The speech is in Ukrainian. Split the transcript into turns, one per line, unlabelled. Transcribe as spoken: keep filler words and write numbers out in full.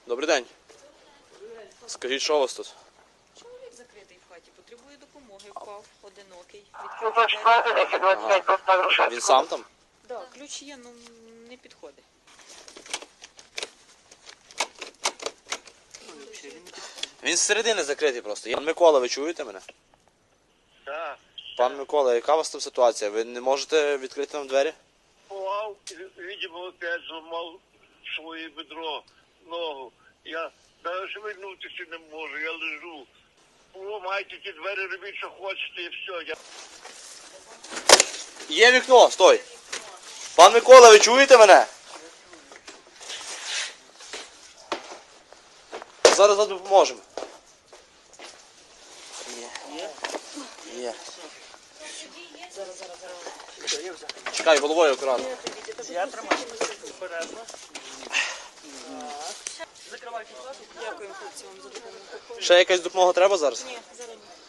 Добрий день. Скажіть, що у вас тут?
Чоловік закритий в хаті, потребує допомоги, впав, одинокий.
Ага. Він сам там?
Так, да, ключ є, ну не підходить.
Він зсередини закритий просто. Пан Микола, ви чуєте мене?
Так.
Пан Микола, яка у вас там ситуація? Ви не можете відкрити нам двері?
Упав, видимо, опять зламав своє бедро, ногу. Я навіть шевельнутися не можу, я лежу. Ламайте ті двері, робіть, що хочете, і все. Я...
Є вікно, стой! Пан Микола, ви чуєте мене? Зараз вам допоможемо. Є. Є.
Зараз, зараз, зараз.
Чекай, головою акуратно.
Я тримаю. Обережно. Закривайте хату.
Дякуємо хлопці вам за допомогу.
Ще якась допомога треба зараз?
Ні, зараз ні.